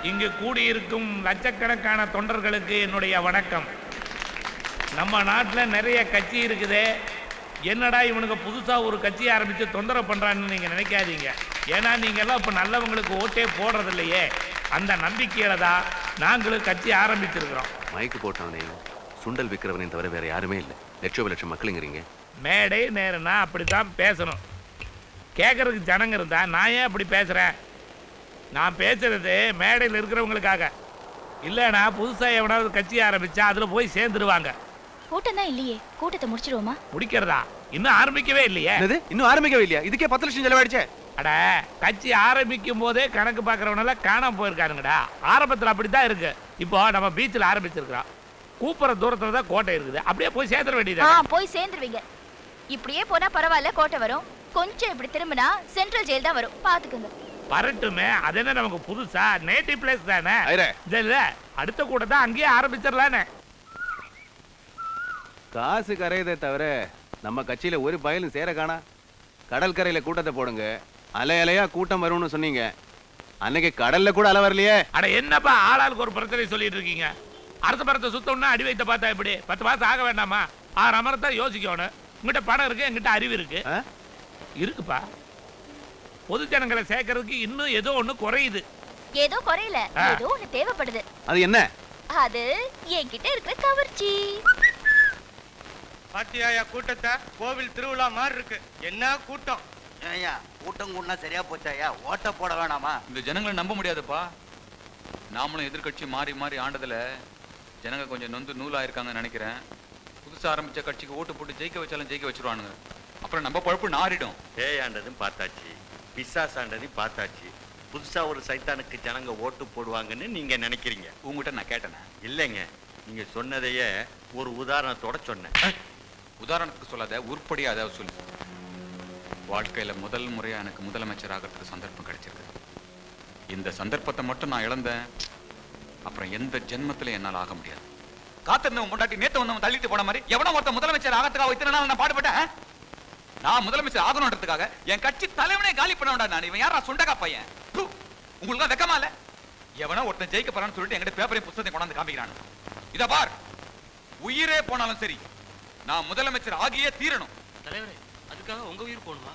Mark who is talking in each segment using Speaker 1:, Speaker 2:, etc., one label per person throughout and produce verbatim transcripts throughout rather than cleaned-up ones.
Speaker 1: இங்கு கூடியிருக்கும் லட்சக்கணக்கான தொண்டர்களுக்கு என்னுடைய வணக்கம். நம்ம நாட்டில் நிறைய கட்சி இருக்குது. என்னடா இவனுக்கு புதுசாக ஒரு கட்சி ஆரம்பித்து தொந்தரவு பண்ணுறான்னு நீங்கள் நினைக்காதீங்க. ஏன்னா நீங்கள்லாம் இப்போ நல்லவங்களுக்கு ஓட்டே போடுறது இல்லையே. அந்த நம்பிக்கையில் தான் நாங்களும் கட்சி ஆரம்பிச்சிருக்கிறோம்.
Speaker 2: மைக்கு போட்டவனையும் சுண்டல் விற்கிறவனையும் தவிர வேற யாருமே இல்லை. லட்சம் லட்சம் மக்களுங்கிறீங்க.
Speaker 1: மேடை நேரம்னா அப்படி தான் பேசணும். கேட்கறதுக்கு ஜனங்க இருந்தா நான் ஏன் அப்படி பேசுகிறேன்? நான் பேசுறது மேடையில் இருக்கிறவங்களுக்காக இல்லைனா புதுசாக எவனாவது கட்சி ஆரம்பிச்சா அதில் போய் சேர்ந்துருவாங்க.
Speaker 3: கூட்டம் தான் இல்லையே, கூட்டத்தை முடிச்சிடுவோமா?
Speaker 1: முடிக்கிறதா? இன்னும் ஆரம்பிக்கவே இல்லையே.
Speaker 2: இன்னும் ஆரம்பிக்கவே இல்லையா? இதுக்கே பத்து லட்சம் செலவாயிடுச்சே.
Speaker 1: அட, கட்சி ஆரம்பிக்கும் போதே கணக்கு பார்க்கறவனெல்லாம் காணாம போயிருக்காருங்கடா. ஆரம்பத்தில் அப்படித்தான் இருக்கு. இப்போ நம்ம பீச்சில் ஆரம்பிச்சிருக்கிறோம். கூப்பிட்ற தூரத்துல தான் கோட்டை இருக்குது. அப்படியே போய் சேர்ந்துட வேண்டியது.
Speaker 3: போய் சேர்ந்துருவீங்க. இப்படியே போனா பரவாயில்ல, கோட்டை வரும். கொஞ்சம் இப்படி திரும்பினா சென்ட்ரல் ஜெயில் தான் வரும். பாத்துக்கோங்க.
Speaker 1: வரட்டுமே, அது என்ன நமக்கு புதுசா? நேட்டிவ் பிளேஸ் தானே. இல்ல, அடுத்த கூட தான் அங்கேயே ஆரம்பிச்சிடலானே.
Speaker 2: காசு கரையதே தவிர நம்ம கட்சியில ஒரு பயலும் சேர காணா. கடற்கரையில கூட்டத்தை போடுங்க, அலை அலையா கூட்டம் வரும்னு சொன்னீங்க. அன்னைக்கு கடல்ல கூட அலை வரலையே.
Speaker 1: அட என்னப்பா ஆளாளுக்கு ஒரு பிரச்சனை சொல்லிட்டு இருக்கீங்க? அரச மரத்தை சுத்தம்னா அடி வைத்த பார்த்தா எப்படி? பத்து மாசம் ஆக வேண்டாமா? ஆறு அமரத்தை யோசிக்கணும். உங்ககிட்ட பணம் இருக்கு, என்கிட்ட அறிவு இருக்கு. இருக்குப்பா. பொது ஜனங்களை சேர்க்கறதுக்கு இன்னும் ஏதோ ஒண்ணு குறையுது.
Speaker 3: ஏதோ குறையல, ஏதோ ஒண்ணு தேவைப்படுது.
Speaker 2: அது என்ன?
Speaker 3: அது என்கிட்ட இருக்கிற கவர்ச்சி.
Speaker 4: பாத்தியாயா கூட்டத்தை? கோவில் திருவிழா மாதிரி இருக்கு. என்ன கூட்டம்!
Speaker 5: ஏயா கூட்டம் கூடனா சரியா போச்சாயா? ஓட்ட போட வேணாமா?
Speaker 6: இந்த ஜனங்களை நம்ப முடியாதுப்பா. நாமளும் எதிர்கட்சி மாறி மாறி ஆண்டதுல ஜனங்க கொஞ்சம் நொந்து நூலாயிருக்காங்கன்னு நினைக்கிறேன். புதுசா ஆரம்பிச்ச கட்சிக்கு ஓட்டு போட்டு ஜெயிக்க வச்சாலும் ஜெயிக்க வச்சிருவானுங்க. அப்புறம் நம்ம பழப்பு நாரிடும்.
Speaker 5: பேயாண்டதும் பார்த்தாச்சு, பிசாசாண்டதையும் பார்த்தாச்சு. புதுசா ஒரு சைத்தானுக்கு ஜனங்க ஓட்டு போடுவாங்கன்னு நீங்க நினைக்கிறீங்க.
Speaker 6: உங்ககிட்ட நான் கேட்டேனே?
Speaker 5: இல்லைங்க, நீங்க சொன்னதையே ஒரு உதாரணத்தோட சொன்னேன்.
Speaker 6: உதாரணத்துக்கு சொல்லாத, உருப்படியா அதாவது சொல்லு. வாழ்க்கையில முதல் முறையா எனக்கு முதலமைச்சர் ஆகிறதுக்கு சந்தர்ப்பம் கிடைச்சிருக்கு. இந்த சந்தர்ப்பத்தை மட்டும் நான் இழந்தேன், அப்புறம் எந்த ஜென்மத்திலும் என்னால் ஆக முடியாது. காத்திருந்தவன் முன்னாடி நேத்து வந்தவன் தள்ளிட்டு போன மாதிரி எவனோ ஒருத்த முதலமைச்சர் ஆகிறதுக்காக இத்தனை நாள் நான் பாடுபட்டேன். நான் முதலமைச்சர் ஆகணுன்றதுக்காக என் கட்சி தலைவனே காலி பண்ண வேண்டாம். நான் இவன் யாரா சுண்டகா பையன்? உங்களுக்கு வெக்கமா இல்ல? எவனோ ஒருத்தன் ஜெயிக்க போறான்னு சொல்லிட்டு என்கிட்ட பேப்பரையும் புத்தகத்தை கொண்டாந்து காமிக்கிறான். இத பார், உயிரே போனாலும் சரி நான் முதலமைச்சர் ஆகியே தீரணும்.
Speaker 4: தலைவரே, அதுக்காக உங்க உயிர் போகணுமா?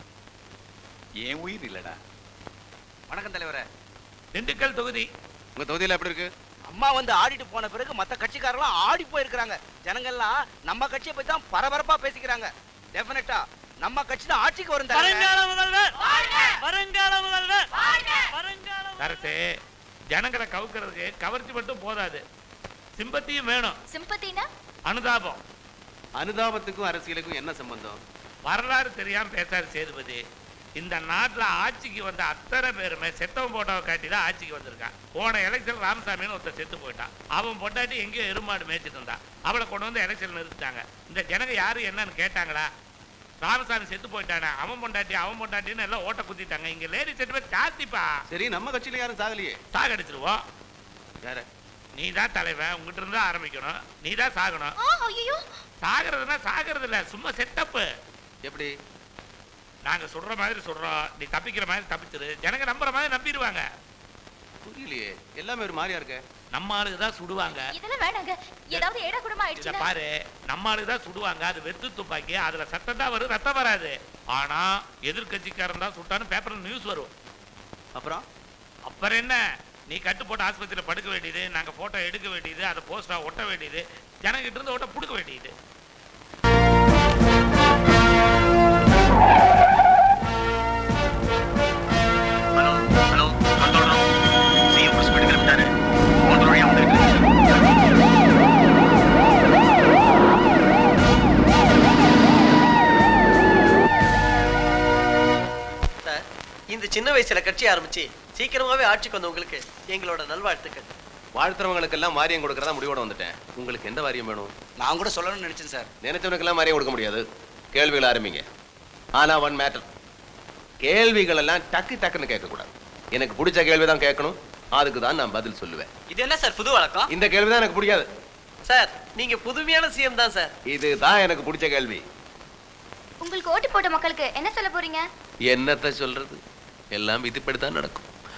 Speaker 6: என் உயிர் இல்லடா.
Speaker 4: வணக்கம் தலைவரே.
Speaker 1: திண்டுக்கல் தொகுதி.
Speaker 2: உங்க தொகுதியில எப்படி இருக்கு?
Speaker 4: அம்மா வந்து ஆடிட்டு போன பிறகு மத்த கட்சிக்காரலாம் ஆடி போயிருக்காங்க. ஜனங்கள்லாம் நம்ம கட்சியை பத்தி தான் பரபரப்பா பேசிக்கிறாங்க. டெஃபினட்டா நம்ம கட்சி தான் ஆட்சிக்கு வரும். வருங்கால முதல்வர், வருங்கால முதல்வர், வருங்கால
Speaker 1: கரெக்ட். ஜனங்களை கவுக்கிறதுக்கு கவர்ச்சி மட்டும் போதாது, சிம்பத்தியும் வேணும்.
Speaker 3: சிம்பத்தினா
Speaker 1: அனுதாபம்.
Speaker 2: அனுதாபத்துக்கும் அரசியலுக்கும் என்ன சம்பந்தம்?
Speaker 1: வரலாறு தெரியாம பேசாரு சேதுபதி. இந்த நாட்டில் ஆட்சிக்கு வந்த அத்தனை பேருமே செத்தவன் போட்டோவை காட்டி தான் ஆட்சிக்கு வந்திருக்கான். போன எலெக்ஷன் ராமசாமின்னு ஒருத்தர் செத்து போயிட்டான். அவன் பொண்டாட்டி எங்கேயோ எருமாடு மேய்ச்சிட்டு இருந்தான். அவளை கொண்டு வந்து எலெக்ஷன் நிறுத்திட்டாங்க. இந்த ஜனங்க யாரு என்னன்னு கேட்டாங்களா? ராமசாமி செத்து போயிட்டானே, அவன் பொண்டாட்டி அவன் பொண்டாட்டின்னு எல்லாம் ஓட்ட குத்திட்டாங்க. இங்க லேடி செட்டு பேர் ஜாஸ்திப்பா.
Speaker 2: சரி, நம்ம கட்சியில யாரும் சாகலையே.
Speaker 1: சாகடிச்சிருவோம்.
Speaker 2: வேற
Speaker 1: நீ தான் தலைவன், உங்ககிட்ட இருந்தா ஆரம்பிக்கணும். நீ தான் சாகணும். சாகிறதுனா சாகிறது இல்ல, சும்மா செட்டப்பு.
Speaker 2: எப்படி?
Speaker 1: நாங்க சொல்ற மாதிரி சொல்றோம், நீ தப்பிக்கிற மாதிரி தப்பிச்சிரு. ஜனங்க நம்புற மாதிரி நம்பிடுவாங்க.
Speaker 2: புரியலையே, எல்லாமே ஒரு மாதிரியா இருக்க.
Speaker 1: நம்ம ஆளுக்கு தான் சுடுவாங்க.
Speaker 3: இதெல்லாம் வேணாங்க. ஏதாவது ஏடா கூடமா ஆயிடுச்சு.
Speaker 1: பாரு, நம்ம ஆளுக்கு தான் சுடுவாங்க. அது வெத்து துப்பாக்கி, அதுல சத்தம் தான் வரும், ரத்தம் வராது. ஆனா எதிர்கட்சிக்காரன் தான் சுட்டான்னு பேப்பர்ல நியூஸ் வரும்.
Speaker 2: அப்புறம்
Speaker 1: அப்புறம் என்ன? நீ கட்டு போட்டு ஆஸ்பத்திரியில் படுக்க வேண்டியது, நாங்க போட்டோ எடுக்க வேண்டியது, அதை போஸ்டா ஒட்ட வேண்டியது, ஜனங்கிட்ட இருந்து ஓட்ட புடுக்க வேண்டியது.
Speaker 4: இந்த சின்ன வயசுல கட்சி ஆரம்பிச்சு சீக்கிரமாவே ஆட்சிக்கு வந்தவங்களுக்கு எங்களோட நல்வாழ்த்துக்கள்.
Speaker 2: வாழ்த்துறவங்களுக்கு எல்லாம் வாரியம் கொடுக்கறதா முடிவோட வந்துட்டேன். உங்களுக்கு எந்த வாரியம் வேணும்?
Speaker 4: நான் கூட சொல்லணும்னு நினைச்சேன் சார்.
Speaker 2: நினைச்சவனுக்கு எல்லாம் வாரியம் கொடுக்க முடியாது. கேள்விகள் ஆரம்பிங்க. ஆனா ஒன் மேட்டர், கேள்விகள் எல்லாம் டக்கு டக்குன்னு கேட்க கூடாது. எனக்கு பிடிச்ச கேள்விதான் கேட்கணும். அதுக்கு தான் நான் பதில் சொல்லுவேன்.
Speaker 4: இது என்ன சார் புது வழக்கம்?
Speaker 2: இந்த கேள்விதான் எனக்கு பிடிக்காது
Speaker 4: சார். நீங்க புதுமையான சிஎம் தான் சார்.
Speaker 2: இதுதான் எனக்கு பிடிச்ச கேள்வி.
Speaker 3: உங்களுக்கு ஓட்டு போட்ட மக்களுக்கு என்ன சொல்ல போறீங்க?
Speaker 2: என்னத்தை சொல்றது? எல்லாம் விதிப்படிதான் நடக்கும்.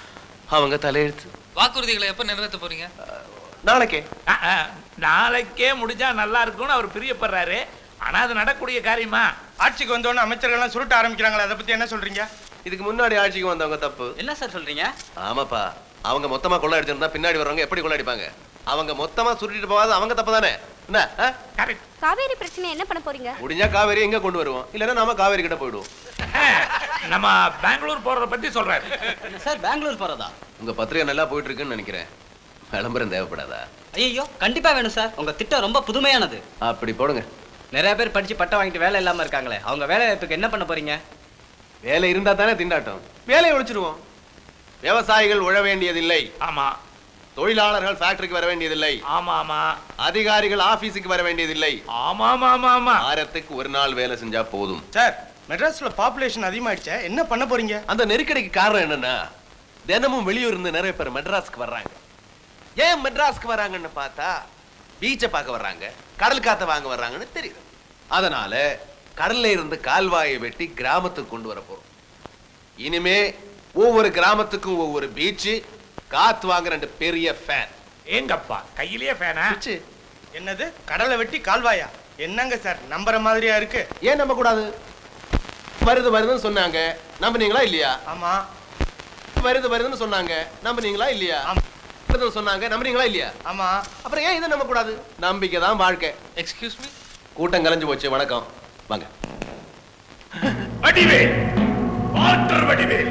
Speaker 2: அவங்க தலையெழுத்து.
Speaker 7: வாக்குறுதிகளை எப்ப நிறைவேற்ற போறீங்க?
Speaker 2: நாளைக்கே.
Speaker 1: அஹ், அஹ், நாளைக்கே முடிஞ்சா நல்லா இருக்கும்னு அவர் பிரியப்படுறாரு. ஆனா அது நடக்கக்கூடிய காரியமா?
Speaker 8: ஆட்சிக்கு வந்தோடனே அமைச்சர்கள்லாம் சுருட்ட ஆரம்பிக்கிறாங்களா, அதை பத்தி என்ன சொல்றீங்க?
Speaker 2: இதுக்கு முன்னாடி ஆட்சிக்கு வந்தவங்க தப்பு.
Speaker 4: என்ன சார் சொல்றீங்க?
Speaker 2: ஆமாப்பா, அவங்க மொத்தமா கொள்ள அடிச்சிருந்தா பின்னாடி வர்றவங்க எப்படி கொள்ள அடிப்பாங்க? அவங்க மொத்தமா சுருட்டிட்டு போகாது அவங்க தப்பு தானே? என்ன
Speaker 1: கரெக்ட்.
Speaker 9: காவேரி பிரச்சனை என்ன பண்ண போறீங்க?
Speaker 2: முடிஞ்சா காவேரி எங்க கொண்டு வருவோம், இல்லன்னா நாம காவேரி கிட்ட போயிடுவோம்.
Speaker 1: நம்ம பெங்களூர் போறத பத்தி சொல்றாரு
Speaker 4: சார். பெங்களூர் போறதா?
Speaker 2: உங்க பத்திரிகை நல்லா போயிட்டு இருக்குன்னு நினைக்கிறேன். விளம்பரம் தேவைப்படாதா?
Speaker 4: ஐயோ, கண்டிப்பா வேணும் சார். உங்க திட்டம் ரொம்ப புதுமையானது.
Speaker 2: அப்படி போடுங்க.
Speaker 4: நிறைய பேர் படிச்சு பட்டம் வாங்கிட்டு வேலை இல்லாம இருக்காங்களே, அவங்க வேலை வாய்ப்புக்கு என்ன பண்ண போறீங்க?
Speaker 2: வேலை இருந்தா தானே திண்டாட்டம். வேலையை ஒழிச்சிருவோம். விவசாயிகள் உழ வேண்டியதில்லை.
Speaker 1: ஆமா
Speaker 2: தொழிலாளர்கள் ஃபேக்டரிக்கு வர வேண்டியதில்லை.
Speaker 1: ஆமா ஆமா.
Speaker 2: அதிகாரிகள் ஆபீஸுக்கு வர வேண்டியதில்லை.
Speaker 1: ஆமா ஆமா ஆமா ஆமா.
Speaker 2: வாரத்துக்கு ஒரு நாள் வேலை செஞ்சா போதும்.
Speaker 8: சார், மெட்ராஸ்ல பாப்புலேஷன் அதிகமாயிடுச்சே, என்ன பண்ண போறீங்க?
Speaker 2: அந்த நெருக்கடிக்கு காரணம் என்னன்னா, தினமும் வெளியூர் இருந்து நிறைய பேர் மெட்ராஸ்க்கு வர்றாங்க. ஏன் மெட்ராஸ்க்கு வராங்கன்னு பார்த்தா பீச்சை பார்க்க வர்றாங்க, கடல் காத்த வாங்க வர்றாங்கன்னு தெரியுது. அதனால கடல்ல இருந்து கால்வாயை வெட்டி கிராமத்துக்கு கொண்டு வர போறோம். இனிமே ஒவ்வொரு கிராமத்துக்கும் ஒவ்வொரு பீச், காத்து வாங்க ரெண்டு பெரிய ஃபேன்.
Speaker 1: எங்கப்பா கையிலேயே ஃபேனா?
Speaker 8: என்னது, கடலை வெட்டி கால்வாயா? என்னங்க சார், நம்புற மாதிரியா இருக்கு?
Speaker 2: ஏன் நம்ப கூடாது? வருது வருதுன்னு சொன்னாங்க, நம்புனீங்களா இல்லையா?
Speaker 8: ஆமா.
Speaker 2: வருது வருதுன்னு சொன்னாங்க, நம்புனீங்களா இல்லையா? வருதுன்னு சொன்னாங்க, நம்புனீங்களா இல்லையா?
Speaker 8: ஆமா.
Speaker 2: அப்புறம் ஏன் இதை நம்ப கூடாது? நம்பிக்கை தான் வாழ்க்கை.
Speaker 7: Excuse me.
Speaker 2: கூட்டம் கலைஞ்சு போச்சு. வணக்கம், வாங்க.
Speaker 1: வடிவேல், வாட்டர் வடிவேல்.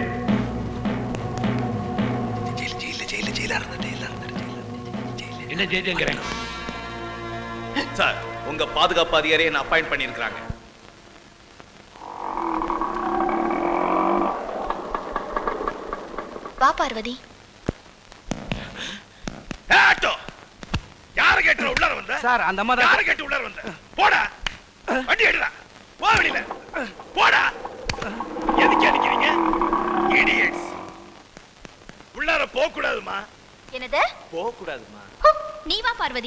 Speaker 1: என்ன ஜெயிலுங்கிறேன்
Speaker 5: சார், உங்க பாதுகாப்பு அதிகாரியை நான் அப்பாயிண்ட் பண்ணியிருக்கிறாங்க.
Speaker 3: வா பார்வதி.
Speaker 1: ஆட்டோ யார கேட்ற உள்ளார வந்த?
Speaker 4: சார், அந்த அம்மா
Speaker 1: யார கேட்டு உள்ளார வந்த? போடா, வண்டி எடுடா, போ வெளியில, போடா. எதுக்கு அடிக்கிறீங்க? இடியட்ஸ். உள்ளார போக கூடாதுமா.
Speaker 3: என்னது?
Speaker 5: போக கூடாதுமா.
Speaker 3: நீ வா பார்வதி.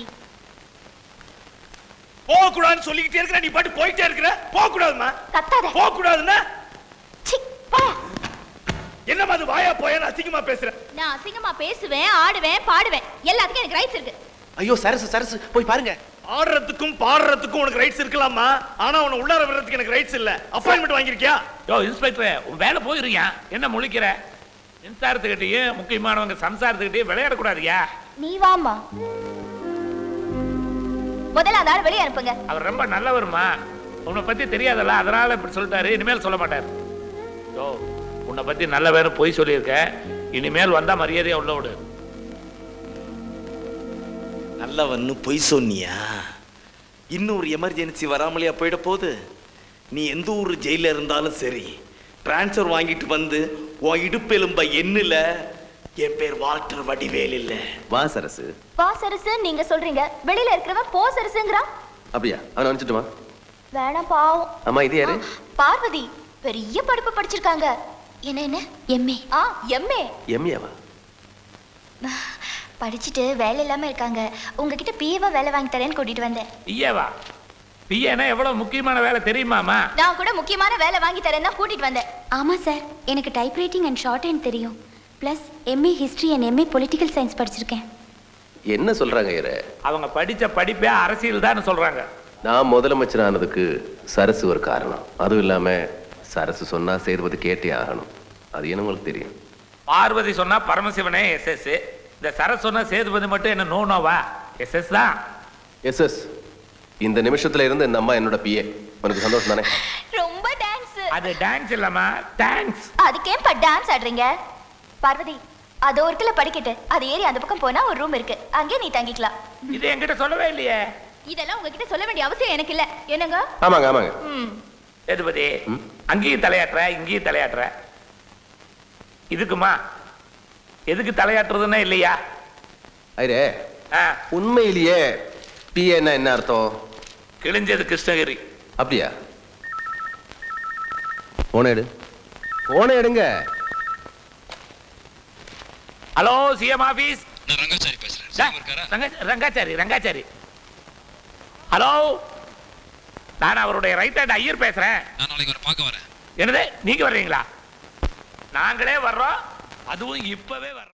Speaker 1: போக கூடாதுன்னு சொல்லிக்கிட்டே இருக்கிற, நீ பாட்டு போயிட்டே இருக்கிற. போக கூடாதுமா.
Speaker 3: கத்தாத.
Speaker 1: போக கூடாதுன்னா
Speaker 3: சி, போ.
Speaker 1: என்னமா அது வாயா போயா அசிங்கமா பேசுற?
Speaker 3: நான் அசிங்கமா பேசுவேன், ஆடுவேன், பாடுவேன். எல்லாத்துக்கும் எனக்கு ரைட்ஸ் இருக்கு.
Speaker 2: ஐயோ சரசு சரசு, போய் பாருங்க.
Speaker 1: ஆடுறதுக்கும் பாடுறதுக்கும் உனக்கு ரைட்ஸ் இருக்கலாமா? ஆனா உன உள்ளார விடுறதுக்கு எனக்கு ரைட்ஸ் இல்ல. அப்பாயின்மெண்ட் வாங்கிருக்கியா? யோ இன்ஸ்பெக்டர், உன் வேலை போயிருக்கியா? என்ன முழிக்கிற? மின்சாரத்துக்கிட்டயும் முக்கியமானவங்க சம்சாரத்துக்கிட்டயும் விளையாடக்கூடாதுயா.
Speaker 3: நீ வாமா. முதல்ல அந்த ஆள் வெளியே அனுப்புங்க.
Speaker 1: அவர் ரொம்ப நல்லவருமா, உன்னை பத்தி தெரியாதல்ல, அதனால இப்படி சொல்லிட்டாரு. இனிமேல் சொல்ல மாட்டாரு. யோ, உன்னை பத்தி நல்ல வேணும் பொய் சொல்லியிருக்க. இனிமேல் வந்தா மரியாதையா உள்ள விடு.
Speaker 5: நல்லவன்னு பொய் சொன்னியா? இன்னொரு எமர்ஜென்சி வராமலையா போயிட போகுது? நீ எந்த ஊர் ஜெயில இருந்தாலும் சரி, டிரான்ஸ்ஃபர் வாங்கிட்டு வந்து உன் இடுப்பெலும்ப எண்ணுல. என் பேர் வால்டர் வடிவேல் இல்ல.
Speaker 2: வா சரசு.
Speaker 3: வா சரசு நீங்க சொல்றீங்க, வெளியில இருக்கிறவன் போ சரசுங்கறான்.
Speaker 2: அப்படியா? அவன் அனுப்பிச்சுட்டுமா?
Speaker 3: வேணாம் பாவம்.
Speaker 2: அம்மா, இது யாரு?
Speaker 3: பார்வதி. பெரிய படிப்பு படிச்சிருக்காங்க. என்ன என்ன? எம்ஏ. ஆ, எம்ஏ.
Speaker 2: எம்ஏவா?
Speaker 3: படிச்சுட்டு வேலை இல்லாம இருக்காங்க. உங்ககிட்ட பிஏவா வேலை வாங்கி தரேன்னு கூட்டிட்டு வந்தேன்.
Speaker 1: பிஏவா? பிஏனா எவ்வளவு முக்கியமான வேலை தெரியுமாமா?
Speaker 3: நான் கூட முக்கியமான வேலை வாங்கி தரேன் தான் கூட்டிட்டு வந்தேன். ஆமா சார், எனக்கு டைப்ரைட்டிங் அண்ட் ஷார்ட் ஹேண்ட் தெரியும். Plus MA history and MA political science படிச்சிருக்கேன்.
Speaker 2: என்ன சொல்றாங்க இவரு?
Speaker 1: அவங்க படிச்ச படிப்பே அரசியல் தான் சொல்றாங்க.
Speaker 2: நான் முதலமைச்சர் ஆனதுக்கு சரசு ஒரு காரணம். அதுவும் இல்லாம சரசு சொன்னா சேதுபதி கேட்டே ஆகணும். அது என்ன உங்களுக்கு தெரியும்?
Speaker 1: பார்வதி சொன்னா பரமசிவனே எஸ் எஸ். இந்த சரஸ் சொன்னா சேதுபதி மட்டும் என்ன நோ நோவா? எஸ் எஸ் தான்.
Speaker 2: Yes yes. இந்த நிமிஷத்துல இருந்து இந்த அம்மா என்னோட பிஏ. உனக்கு சந்தோஷம் தானே?
Speaker 3: ரொம்ப டான்ஸ்.
Speaker 1: அது டான்ஸ் இல்லம்மா, தேங்க்ஸ்.
Speaker 3: அதுக்கேம்பா டான்ஸ் ஆடுறீங்க? பார்வதி, அது ஒரு கிலோ படிக்கட்டு, அது ஏறி அந்த பக்கம் போனா ஒரு ரூம் இருக்கு, அங்கே நீ தங்கிக்கலாம்.
Speaker 1: இது என்கிட்ட சொல்லவே இல்லையே.
Speaker 3: இதெல்லாம் உங்ககிட்ட சொல்ல வேண்டிய அவசியம் எனக்கு இல்ல. என்னங்க?
Speaker 2: ஆமாங்க ஆமாங்க.
Speaker 3: ம்.
Speaker 1: சேதுபதி, அங்கேயும் தலையாட்டுற இங்கேயும் தலையாட்டுற. இதுக்குமா எதுக்கு தலையாட்டுறதுன்னா இல்லையா?
Speaker 2: ஐரே, உண்மையிலேயே பிஏன்னா என்ன அர்த்தம்?
Speaker 1: கிழிஞ்சது கிருஷ்ணகிரி.
Speaker 2: அப்படியா? போன எடு, போன எடுங்க.
Speaker 1: Hello, CM office.
Speaker 7: நான் ரங்காச்சாரி பேசுறேன்.
Speaker 1: ரங்காச்சாரி ரங்காச்சாரி ஹலோ, நான் அவருடைய ரைட் ஹேண்ட் ஐயர் பேசுறேன்.
Speaker 7: நான் நாளைக்கு வர பார்க்க வரேன்.
Speaker 1: என்னது, நீங்க வர்றீங்களா? நாங்களே வர்றோம், அதுவும் இப்பவே வர்றோம்.